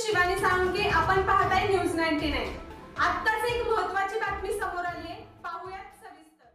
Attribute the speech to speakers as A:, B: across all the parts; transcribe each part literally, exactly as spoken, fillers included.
A: शिवानी साळुंखे, आपण पाहताय news ninety nine. आत्ताच एक महत्त्वाची बातमी समोर आली आहे, पाहूयात सविस्तर।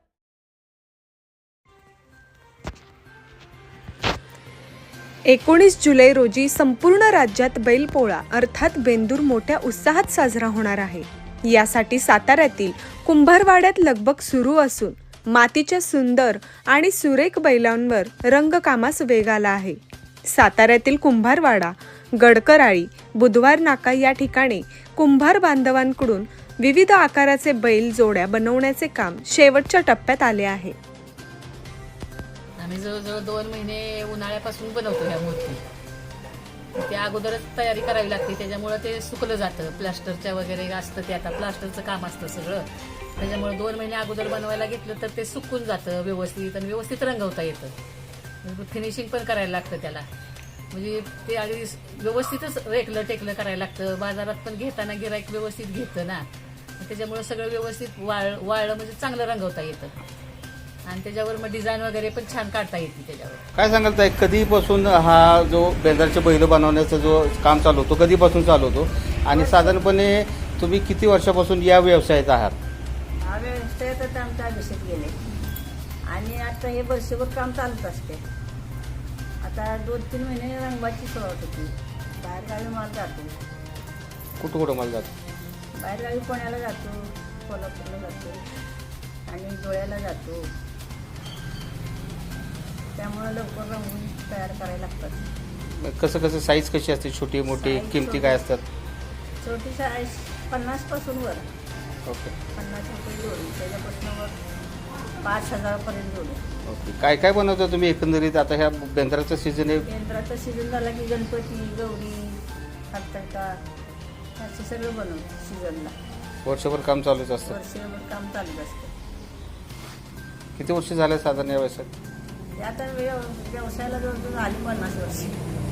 B: एकोणीस जुलै रोजी संपूर्ण राज्यात बैलपोळा अर्थात बेंदूर मोठ्या उत्साहात साजरा होणार आहे। यासाठी साताऱ्यातील कुंभारवाड्यात लगबग सुरू असून मातीच्या सुंदर आणि सुरेख बैलांवर रंगकामास वेग आला आहे। साताऱ्यातील कुंभारवाडा, गडकराळी, बुधवार नाका या ठिकाणी कुंभार बांधवांकडून विविध आकाराचे बैल जोड्या बनवण्याचे काम शेवटच्या टप्प्यात आले आहे।
C: आम्ही जवळजवळ दोन महिने उन्हाळ्यापासून बनवतो ह्या मूर्ती। त्या अगोदरच तयारी करावी लागते, त्याच्यामुळे ते सुकलं जातं। प्लास्टरच्या वगैरे असतं, ते आता प्लास्टरचं काम असतं सगळं, त्याच्यामुळे दोन महिने अगोदर बनवायला घेतलं तर ते सुकून जातं व्यवस्थित आणि व्यवस्थित रंगवता येतं। फिनिशिंग पण करायला लागतं त्याला, म्हणजे ते अगदी व्यवस्थितच रेकलं टेकलं करायला लागतं। बाजारात पण घेताना गिराईक व्यवस्थित घेतं ना, त्याच्यामुळे सगळं व्यवस्थित वाळ वाळलं म्हणजे चांगलं रंगवता येतं आणि त्याच्यावर मग डिझाईन वगैरे पण छान काढता येते। त्याच्यावर
D: काय सांगाल ताई, कधीपासून हा जो बेंद्राचे बैल बनवण्याचा जो काम चालू होतो, कधीपासून चालू होतो आणि साधारणपणे तुम्ही किती वर्षापासून या व्यवसायात आहात?
E: हा व्यवसायात आमचा अभिषेक गेले आणि आता हे वर्षभर काम चालूच असते। आता दोन तीन महिने रंगवाची सुरुवात होती। बाहेरगावी माल जातो,
D: कुठं कुठं माल जातो?
E: बाहेरगावी पुण्याला जातो, कोल्हापूरला जातो आणि डोळ्याला जातो, त्यामुळे लवकर रंगून तयार करायला लागतात।
D: कसं कसं साईज कशी असते, छोटी मोठी,
E: साईज
D: किमती
E: छोटी.
D: काय असतात?
E: छोटी साईज पन्नास पासून वर,
D: ओके
E: पन्नास रुपये जोडी, त्याच्यापासून वर पाच हजारापर्यंत जोडी।
D: ओके काय काय बनवता तुम्ही एकंदरीत? आता ह्या बेंद्राचं सीझन आहे,
E: केंद्राचा सीझन झाला की गणपती, गौरी, हरताळका असे सगळं बनवतो सीझनला।
D: वर्षभर काम चालूच असतं।
E: वर्षभर काम चालूच असतं।
D: किती वर्ष झाले साधारण या व्यवसायात?
E: ते आता व्यव व्यवसायाला जवळजवळ आली पन्नास वर्ष।